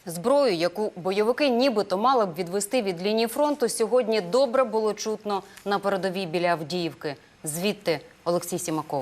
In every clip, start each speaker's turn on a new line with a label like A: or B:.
A: Зброю, яку бойовики нібито мали б відвести від лінії фронту, сьогодні добре було чутно на передовій біля Авдіївки. Звідти Олексій Сімаков.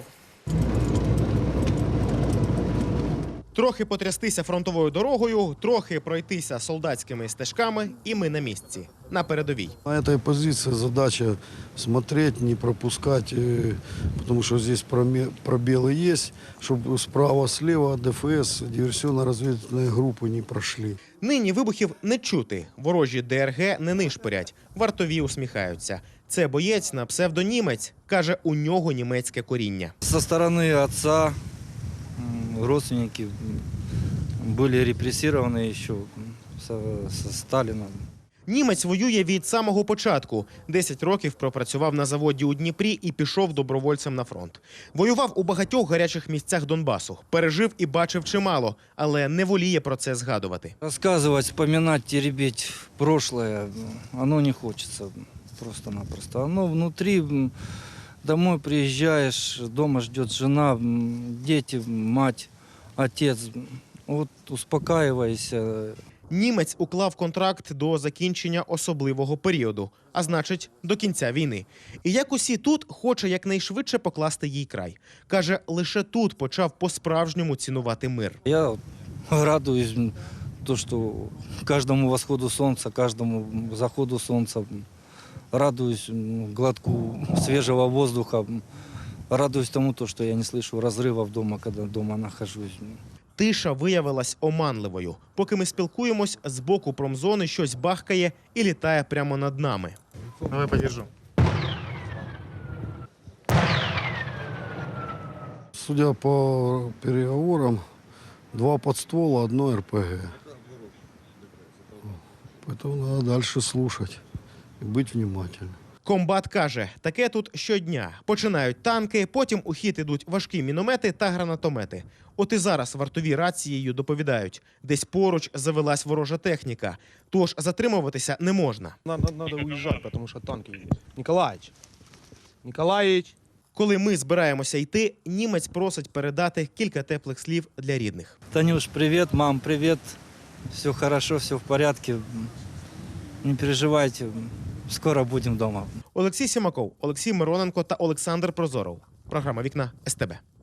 B: Трохи потрястися фронтовою дорогою, трохи пройтися солдатськими стежками, і ми на місці, на передовій.
C: На этой позиции задача смотреть, не пропускать, потому что здесь пробелы есть, чтобы справа-слева ДФС, диверсионно-разведывательные группы не прошли.
B: Нині вибухів не чути, ворожі ДРГ не нишпорять, вартові усміхаються. Це боєць на псевдонімець, каже, у нього німецьке коріння.
D: Со стороны отца родственники были репрессированы еще со Сталина.
B: Німець воює від самого початку. 10 років пропрацював на заводі у Дніпрі і пішов добровольцем на фронт. Воював у багатьох гарячих місцях Донбасу. Пережив і бачив чимало, але не воліє про це згадувати.
D: Рассказывать, вспоминать, теребить прошлое, оно не хочется просто-напросто. Оно внутри, домой приезжаешь, дома ждет жена, дети, мать, отец. Вот успокаивайся.
B: Німець уклав контракт до закінчення особливого періоду, а значить, до кінця війни. І як усі тут, хоче якнайшвидше покласти їй край. Каже, лише тут почав по-справжньому цінувати мир.
D: Я радуюсь, то, что каждому восходу солнца, каждому заходу солнца, радуюсь глотку свежего воздуха, радуюсь тому, что я не слышу разрывов дома, когда дома нахожусь.
B: Тиша виявилась оманливою. Поки ми спілкуємось, з боку промзони щось бахкає і літає прямо над нами. Давай подержу.
C: Судя по переговорам, 2 подствола, 1 РПГ. Поэтому надо дальше слушать и быть внимательным.
B: Комбат каже, таке тут щодня. Починають танки, потім у хід ідуть важкі міномети та гранатомети. От і зараз вартові рацією доповідають. Десь поруч завелась ворожа техніка. Тож затримуватися не можна.
E: Надо уезжать, потому что танки едут. Николаевич.
B: Коли ми збираємося йти, німець просить передати кілька теплих слів для рідних.
D: Танюш, привет, мам, привет. Все хорошо, все в порядке. Не переживайте, скоро будем дома.
B: Олексій Сімаков, Олексій Мироненко та Олександр Прозоров. Програма «Вікна» СТБ.